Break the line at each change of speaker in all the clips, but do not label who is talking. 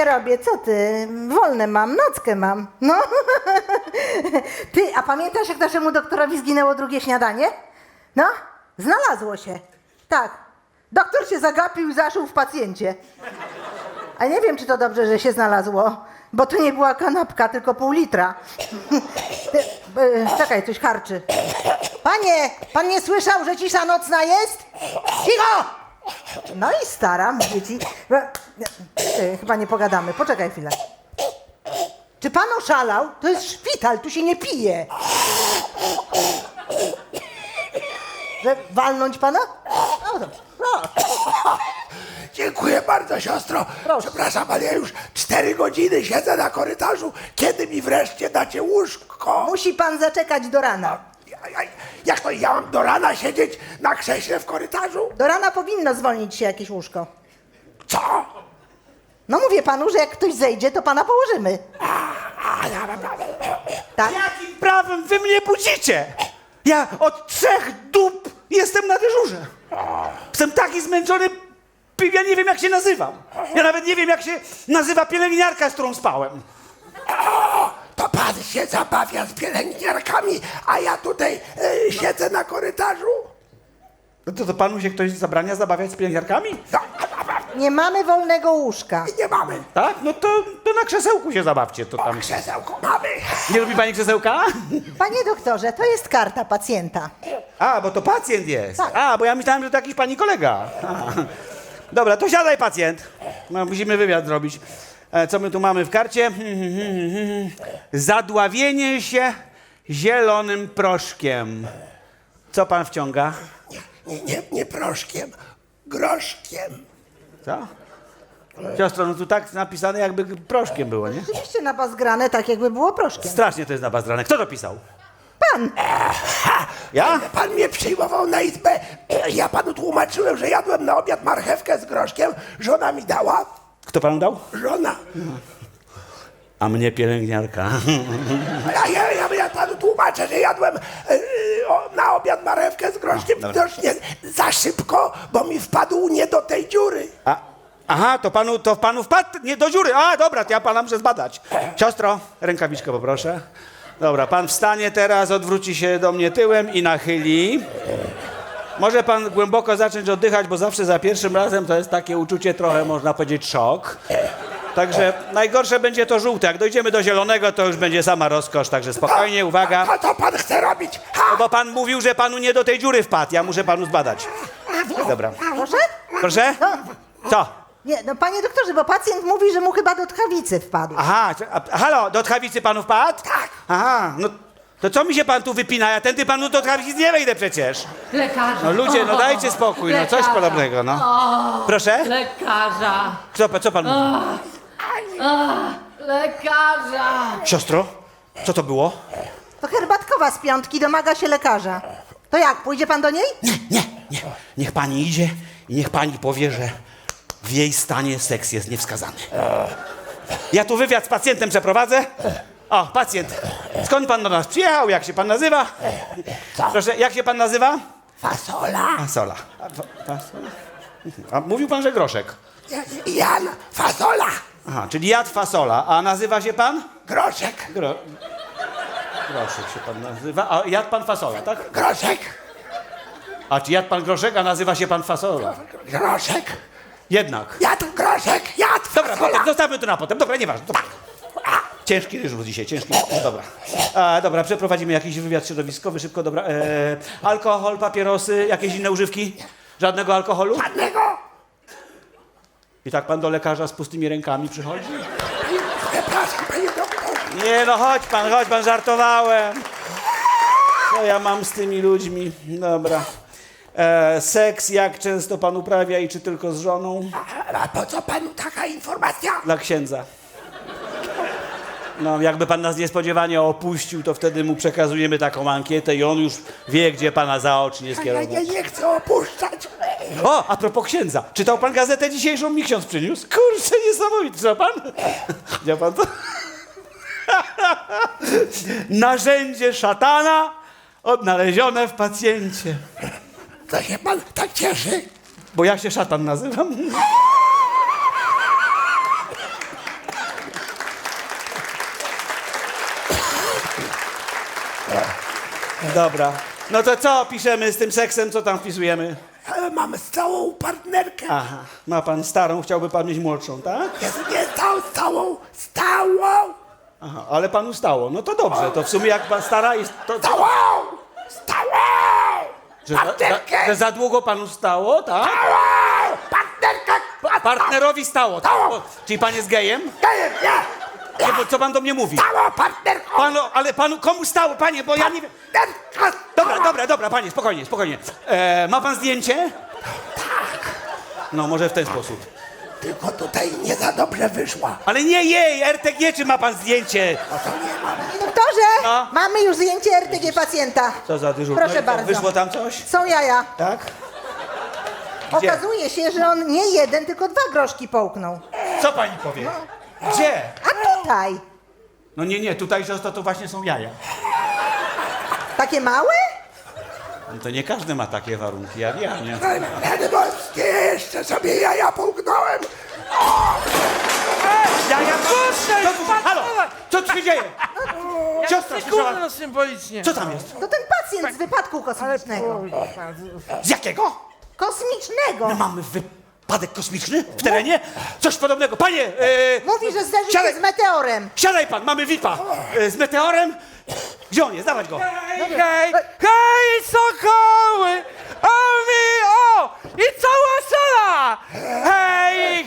nie robię, co ty? Wolne mam, nockę mam. No. Ty, a pamiętasz, jak naszemu doktorowi zginęło drugie śniadanie? No, znalazło się. Tak. Doktor się zagapił i zaszył w pacjencie. A nie wiem, czy to dobrze, że się znalazło, bo to nie była kanapka, tylko pół litra. Czekaj, coś harczy. Panie, pan nie słyszał, że cisza nocna jest? Cicho! No i staram, dzieci. Chyba nie pogadamy, poczekaj chwilę. Czy pan oszalał? To jest szpital, tu się nie pije. Że walnąć pana? No dobrze, proszę.
Dziękuję bardzo, siostro.
Proszę.
Przepraszam, ale ja już 4 godziny siedzę na korytarzu. Kiedy mi wreszcie dacie łóżko?
Musi pan zaczekać do rana.
Jak to ja mam do rana siedzieć na krześle w korytarzu?
Do rana powinno zwolnić się jakieś łóżko.
Co?
No mówię panu, że jak ktoś zejdzie, to pana położymy. Tak?
Jakim prawem wy mnie budzicie? Ja od 3 dób jestem na dyżurze. Jestem taki zmęczony, ja nie wiem jak się nazywam. Ja nawet nie wiem jak się nazywa pielęgniarka, z którą spałem.
To pan się zabawia z pielęgniarkami, a ja tutaj siedzę na korytarzu?
No to panu się ktoś zabrania zabawiać z pielęgniarkami?
No,
Nie mamy wolnego łóżka.
nie mamy.
Tak? No to na krzesełku się zabawcie, to tam.
Krzesełko mamy.
Nie lubi pani krzesełka?
Panie doktorze, to jest karta pacjenta.
A, bo to pacjent jest.
Tak.
A, bo ja myślałem, że to jakiś pani kolega. A. Dobra, to siadaj pacjent. No, musimy wywiad zrobić. Co my tu mamy w karcie? Zadławienie się zielonym proszkiem. Co pan wciąga?
Nie proszkiem, groszkiem.
Co? Siostro, no tu tak napisane, jakby proszkiem było, nie?
Oczywiście na was grane tak, jakby było proszkiem.
Strasznie to jest napazdrane. Kto to pisał?
Pan!
Ja?
Pan mnie przyjmował na izbę. Ja panu tłumaczyłem, że jadłem na obiad marchewkę z groszkiem. Żona mi dała.
Kto panu dał?
Żona.
A mnie pielęgniarka.
Ja panu tłumaczę, że jadłem na obiad marchewkę z groszkiem. Widocznie za szybko, bo mi wpadł nie do tej dziury.
Aha, to panu wpadł nie do dziury. A, dobra, to ja pana muszę zbadać. Siostro, rękawiczkę poproszę. Dobra, pan wstanie teraz, odwróci się do mnie tyłem i nachyli. Może pan głęboko zacząć oddychać, bo zawsze za pierwszym razem to jest takie uczucie trochę, można powiedzieć, szok. Także najgorsze będzie to żółte. Jak dojdziemy do zielonego, to już będzie sama rozkosz. Także spokojnie, uwaga.
A to pan chce robić?
No bo pan mówił, że panu nie do tej dziury wpadł. Ja muszę panu zbadać. Dobra.
Proszę?
Proszę? Co?
Nie, no panie doktorze, bo pacjent mówi, że mu chyba do tchawicy wpadł.
Aha, halo, do tchawicy panu wpadł?
Tak.
Aha, no to co mi się pan tu wypina? Ja tędy panu do tchawicy nie wejdę przecież.
Lekarza.
No ludzie, no dajcie spokój, no coś
Lekarza.
podobnego, no. Proszę?
Lekarza.
Co pan mówi?
Lekarza.
Siostro, co to było?
To herbatkowa z piątki domaga się lekarza. To jak, pójdzie pan do niej?
Nie. Niech pani idzie i niech pani powie, że w jej stanie seks jest niewskazany. Ja tu wywiad z pacjentem przeprowadzę. O, pacjent. Skąd pan do nas przyjechał? Jak się pan nazywa? Proszę, jak się pan nazywa?
Fasola.
Fasola. Fasola? A mówił pan, że groszek.
Jan Fasola.
Aha, czyli jadł fasola. A nazywa się pan?
Groszek.
Groszek się pan nazywa. A jadł pan fasola, tak?
Groszek.
A czy jadł pan groszek, a nazywa się pan fasola?
Groszek.
Jednak.
Jadł groszek. Jadł
Dobra,
fasola.
potem, zostawmy to na potem. Dobra, nieważne. Dobra. Ciężki dyżur dzisiaj, ciężki. Dobra. Dobra, przeprowadzimy jakiś wywiad środowiskowy, szybko, dobra. Alkohol, papierosy, jakieś inne używki? Żadnego alkoholu?
Żadnego.
I tak pan do lekarza z pustymi rękami przychodzi?
Przepraszam, panie doktorze.
Nie no, chodź pan, żartowałem. Co ja mam z tymi ludźmi? Dobra. Seks jak często pan uprawia i czy tylko z żoną?
A po co panu taka informacja?
Dla księdza. No, jakby pan nas niespodziewanie opuścił, to wtedy mu przekazujemy taką ankietę i on już wie, gdzie pana zaocznie
Ja
skierował.
nie chcę opuszczać.
O, a propos księdza. Czytał pan gazetę dzisiejszą? Mi ksiądz przyniósł. Kurczę, niesamowite. Czytał pan? Widział pan to? Narzędzie szatana odnalezione w pacjencie.
To się pan tak cieszy?
Bo ja się szatan nazywam. Dobra. No to co piszemy z tym seksem, co tam wpisujemy?
Mam stałą partnerkę.
Aha, ma pan starą, chciałby pan mieć młodszą, tak?
Jest nie stałą.
Aha, ale panu stało. No to dobrze, to w sumie jak pan stara jest... To,
Stałą!
że za długo panu stało, tak?
Partnerkę!
Partnerowi stało, tak?
Stało.
Czyli pan jest gejem?
Nie!
Nie, bo co pan do mnie mówi?
Stała partnerką!
Panu, ale panu komu stało, panie, bo ja nie wiem...
Partnerka!
Dobra, panie, spokojnie. Ma pan zdjęcie? Tak. No, może w ten sposób.
Tylko tutaj nie za dobrze wyszła.
Ale nie jej, RTG, czy ma pan zdjęcie?
Doktorze,
No.
mamy już zdjęcie RTG pacjenta.
Co za dyżur?
Proszę
No i co,
bardzo.
wyszło tam coś?
Są jaja.
Tak? Gdzie?
Okazuje się, że on nie jeden, tylko 2 groszki połknął.
Co pani powie? Gdzie?
A tutaj?
No nie, tutaj to właśnie są jaja.
Takie małe?
No to nie każdy ma takie warunki, jak ja, nie?
Rany boskie, jeszcze sobie jaja połknąłem.
Jaja, halo, co tu się dzieje? Siostra, słyszała?
Kurno symbolicznie.
Co tam jest?
To ten pacjent z wypadku kosmicznego.
Z jakiego?
Kosmicznego.
Mamy wypadek kosmiczny w terenie? Coś podobnego. Panie,
Mówi, że zderzył
Siadaj.
się z meteorem.
siadaj pan, mamy VIP-a. Z meteorem. Gdzie on jest? Dawać go.
Hej, sokoły! O! I cała sala! Hej,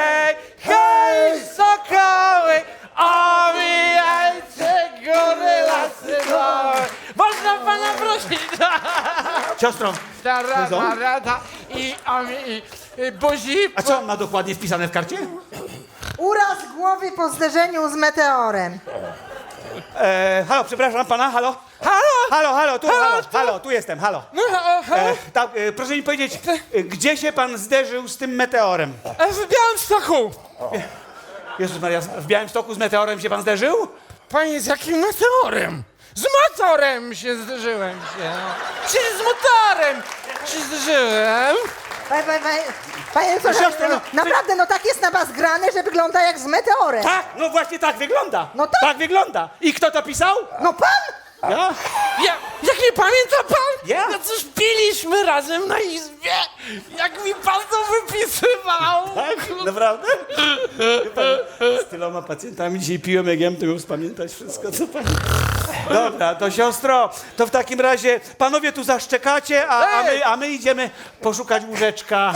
sokoły! Omijajcie góry, lasy, doły! Można pana prosić?
Siostro, Co?
Rada i buzi...
a co on ma dokładnie wpisane w karcie?
Uraz głowy po zderzeniu z meteorem.
Halo, przepraszam pana, halo? Halo, tu jestem, halo.
No,
Tak, proszę mi powiedzieć, gdzie się pan zderzył z tym meteorem?
w Białymstoku!
Jezus Maria, w Białymstoku z meteorem się pan zderzył?
Panie, z jakim motorem? Z motorem się zderzyłem się. Czyli z motorem się zderzyłem.
Panie doktorze,
siostro, no,
naprawdę, no tak jest na was grane, że wygląda jak z meteorem.
Tak, no właśnie tak wygląda.
No tak.
Tak wygląda. I kto to pisał?
No pan?
Ja?
Jak nie pamięta pan?
Ja?
No cóż, piliśmy razem na izbie. Jak mi pan to wypisywał.
Tak? Naprawdę? Z tyloma pacjentami dzisiaj piłem, jak ja bym to miał spamiętać wszystko, co pani... Dobra, to siostro, to w takim razie panowie tu zaszczekacie, a my idziemy poszukać łóżeczka.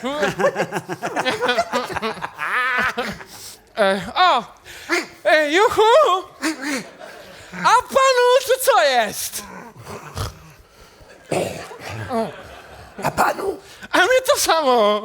Juhu! A panu tu co jest?
A panu?
A mnie to samo.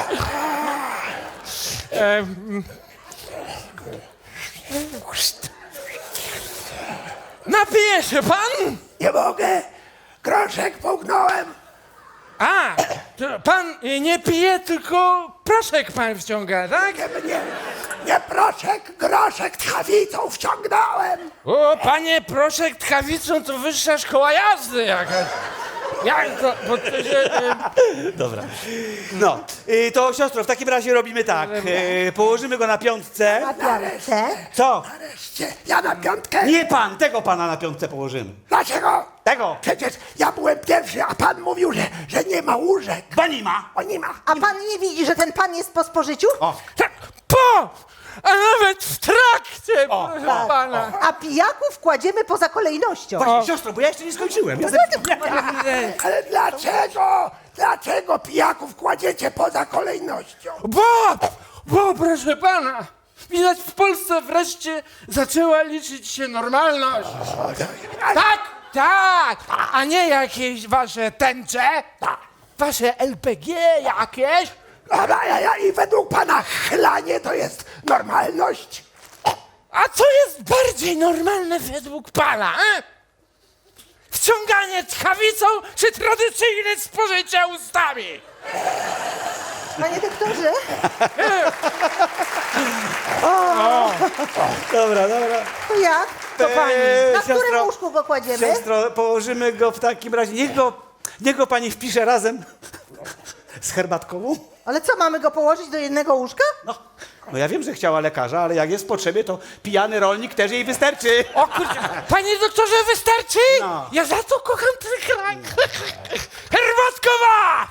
Napije się pan?
Nie mogę. Groszek połknąłem.
A, to pan nie pije, tylko proszek pan wciąga, tak?
Nie proszek, groszek tchawicą wciągnąłem.
O, panie, proszek tchawicą to wyższa szkoła jazdy jakaś. Jak to, bo to się...
Dobra. No, to siostro, w takim razie robimy tak. Położymy go na piątce.
A piątce?
Co?
Nareszcie, ja na piątkę.
Nie pan, tego pana na piątce położymy.
Dlaczego?
Tego.
Przecież ja byłem pierwszy, a pan mówił, że nie ma łóżek.
Bo nie ma.
O, nie ma.
A pan nie widzi, że ten pan jest po spożyciu?
O,
Tak, a nawet w trakcie, proszę pana.
A pijaków kładziemy poza kolejnością.
właśnie, siostro, bo ja jeszcze nie skończyłem. Ja
Ale dlaczego? Dlaczego pijaków kładziecie poza kolejnością?
Bo, proszę pana, widać w Polsce wreszcie zaczęła liczyć się normalność. Tak, a nie jakieś wasze tęcze, wasze LPG jakieś.
I według pana chlanie to jest normalność?
A co jest bardziej normalne według pana, Wciąganie tchawicą czy tradycyjne spożycie ustami?
Panie doktorze?
Dobra.
To jak?
To pani.
Na którym łóżku go kładziemy?
Siostro, położymy go w takim razie. Niech go pani wpisze razem z herbatkową.
Ale co, mamy go położyć do jednego łóżka?
No, No ja wiem, że chciała lekarza, ale jak jest w potrzebie, to pijany rolnik też jej wystarczy.
O kurczę, panie doktorze, wystarczy?
No.
Ja za to kocham ten kraj. Herbatkowa!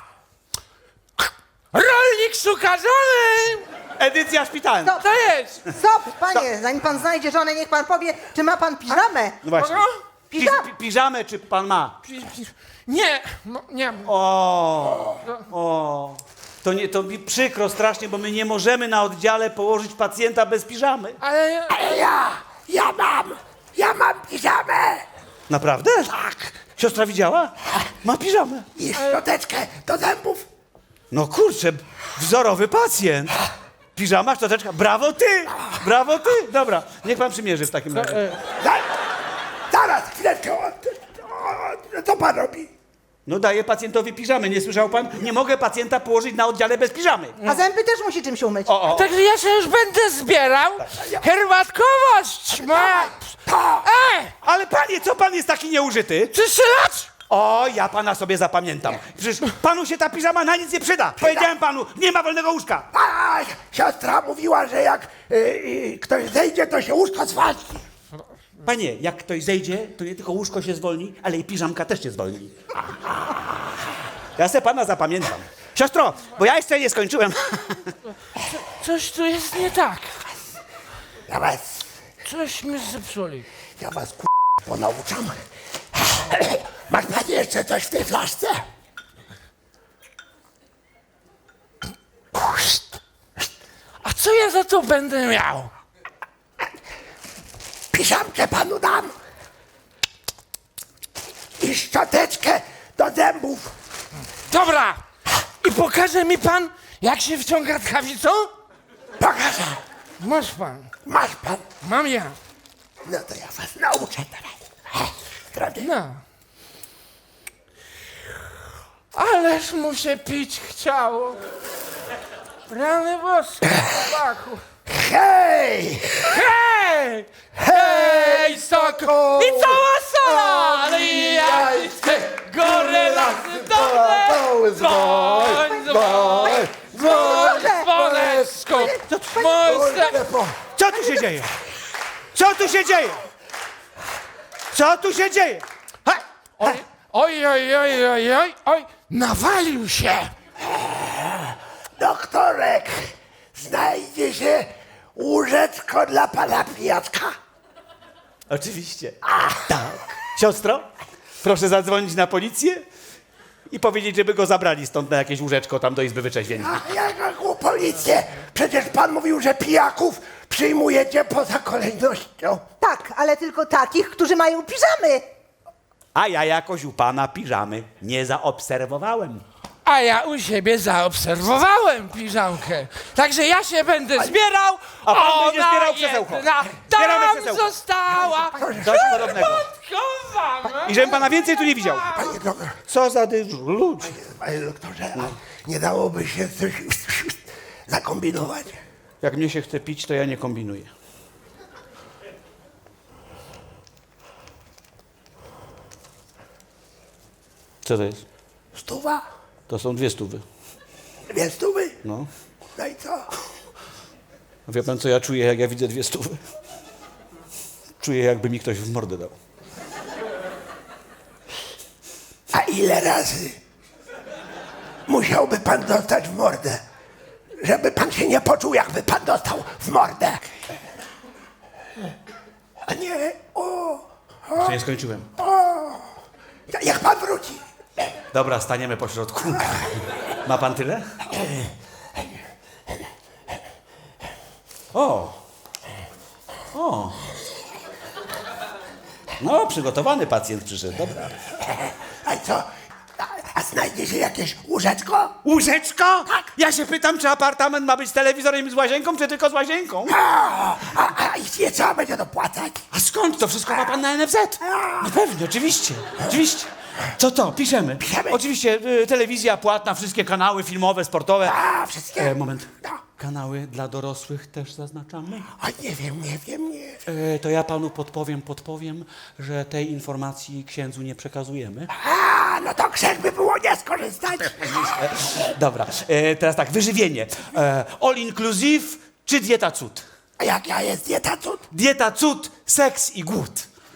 Rolnik szuka żony!
Edycja szpitalna.
Stop,
To jest!
stop, panie, zanim pan znajdzie żonę, niech pan powie, czy ma pan piżamę.
No właśnie.
Kogo?
Piżamę czy pan ma?
Nie, no, nie.
O. To mi przykro strasznie, bo my nie możemy na oddziale położyć pacjenta bez piżamy.
Ale
Ja mam piżamę
Naprawdę? Tak. Siostra widziała? Ma piżamę.
i szczoteczkę do zębów.
No kurczę, wzorowy pacjent. Piżama, szczoteczka. Brawo ty! Brawo ty! Dobra, niech pan przymierzy w takim razie.
Zaraz, chwileczkę. Co pan robi?
No daję pacjentowi piżamę, nie słyszał pan? Nie mogę pacjenta położyć na oddziale bez piżamy.
A zęby też musi czymś umyć.
Także ja się już będę zbierał. Herbatkowość ma...
Ale panie, co pan jest taki nieużyty?
Czyszylacz!
O, ja pana sobie zapamiętam. Przecież panu się ta piżama na nic nie przyda. Powiedziałem panu, nie ma wolnego łóżka.
A, siostra mówiła, że jak ktoś zejdzie, to się łóżko zwalni.
Panie, jak ktoś zejdzie, to nie tylko łóżko się zwolni, ale i piżamka też się zwolni. Ja se pana zapamiętam. Siostro, bo ja jeszcze nie skończyłem.
Coś tu jest nie tak.
Coś
mi zepsuli.
ja was ponauczam. Masz pan jeszcze coś w tej flaszce?
A co ja za to będę miał?
Piżamkę panu dam. I szczoteczkę do zębów.
Dobra! I pokaże mi pan, jak się wciąga tchawicą?
Pokażę.
Masz pan.
Masz pan.
Mam ja.
No to ja was nauczę teraz. Prawda?
No. Ależ mu się pić chciało. Rany boskie, chłopaku.
Hej!
Hej! Hej, soko! I cała sala! Ale jajce, góry, lasy, dole! Dzwoń, dzwoń, dzwoń, dzwoneczku!
Co tu się dzieje? Co tu się dzieje? Co tu się dzieje? Ha!
Oj, oj, oj, oj, oj, oj, nawalił się!
Doktorek, znajdzie się łóżeczko dla pana pijaczka?
Oczywiście. Tak. Siostro, proszę zadzwonić na policję i powiedzieć, żeby go zabrali stąd na jakieś łóżeczko tam do Izby Wyczeźwień.
A jaką policję? Przecież pan mówił, że pijaków przyjmujecie poza kolejnością.
Tak, ale tylko takich, którzy mają piżamy.
A ja jakoś u pana piżamy nie zaobserwowałem.
A ja u siebie zaobserwowałem piżamkę. Także ja się będę zbierał.
A pan
ona
będzie zbierał krzesełko.
jedna
Zbieramy
tam
krzesełko.
została.
Coś podobnego.
Podkowana.
I żebym pana więcej tu nie widział.
Panie doktorze,
Co za dyżur, ludzi.
panie doktorze, a nie dałoby się coś zakombinować?
Jak mnie się chce pić, to ja nie kombinuję. Co to jest?
100?
To są 200.
200?
No.
No i co?
Wie pan, co ja czuję, jak ja widzę 200? Czuję, jakby mi ktoś w mordę dał.
A ile razy musiałby pan dostać w mordę, żeby pan się nie poczuł, jakby pan dostał w mordę? A nie,
Jeszcze nie skończyłem.
jak pan wróci.
Dobra, staniemy po środku. Ma pan tyle? O! O! No, przygotowany pacjent przyszedł, dobra.
A co? A znajdzie się jakieś łóżeczko?
Łóżeczko? Tak. Ja się pytam, czy apartament ma być z telewizorem i z łazienką, czy tylko z łazienką?
A i trzeba będzie dopłacać?
A skąd? To wszystko ma pan na NFZ? No pewnie, oczywiście, oczywiście. Co to? Piszemy.
Piszemy.
Oczywiście telewizja płatna, wszystkie kanały filmowe, sportowe.
A, wszystkie?
Moment.
No.
Kanały dla dorosłych też zaznaczamy?
A nie wiem.
To ja panu podpowiem, że tej informacji księdzu nie przekazujemy.
A, no to grzech by było nie skorzystać.
Dobra, teraz tak, wyżywienie. All inclusive czy dieta cud?
A jaka jest dieta cud?
Dieta cud, seks i głód.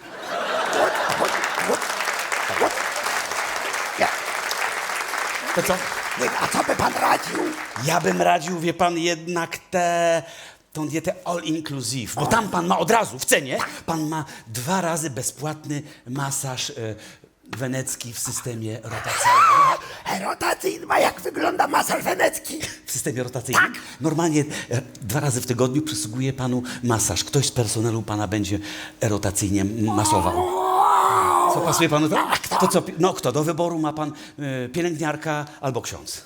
Nie,
To co?
nie, a co by pan radził?
Ja bym radził, wie pan, jednak tą dietę all inclusive, bo tam pan ma od razu w cenie, pan ma 2 razy bezpłatny masaż wenecki w systemie rotacyjnym.
Rotacyjny, a jak wygląda masaż wenecki?
W systemie rotacyjnym? Normalnie 2 razy w tygodniu przysługuje panu masaż. Ktoś z personelu pana będzie rotacyjnie masował. Co, pasuje panu to? To co? No kto? Do wyboru ma pan pielęgniarka albo ksiądz.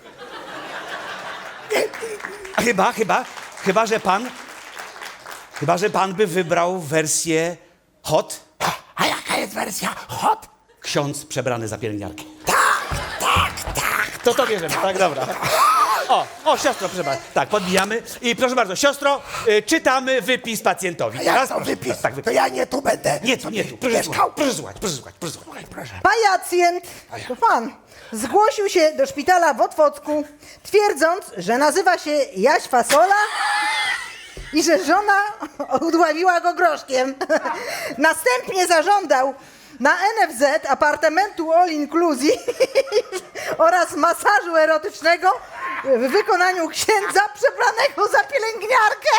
Chyba, że pan by wybrał wersję hot,
A jaka jest wersja hot?
ksiądz przebrany za pielęgniarkę.
Tak.
To bierzemy, tak, dobra. O, siostro, proszę bardzo. Tak, podbijamy. I proszę bardzo, siostro, czytamy wypis pacjentowi.
A jak
Teraz
to
proszę.
wypis?
Tak,
To ja nie tu będę.
Nie tu.
Mieszkał.
Proszę słuchać.
Proszę.
Pacjent, to pan, zgłosił się do szpitala w Otwocku, twierdząc, że nazywa się Jaś Fasola i że żona udławiła go groszkiem. Następnie zażądał na NFZ apartamentu all inclusive oraz masażu erotycznego w wykonaniu księdza przebranego za pielęgniarkę.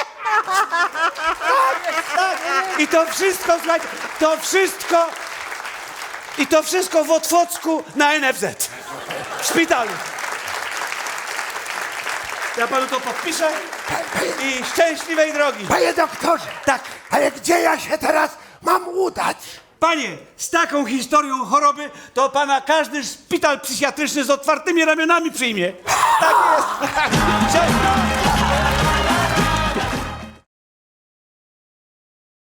I to wszystko, słuchajcie, to wszystko w Otwocku na NFZ. W szpitalu. Ja panu to podpiszę i szczęśliwej drogi.
Panie doktorze,
Tak.
ale gdzie ja się teraz mam udać?
Panie, z taką historią choroby to pana każdy szpital psychiatryczny z otwartymi ramionami przyjmie. Tak jest. Siostra.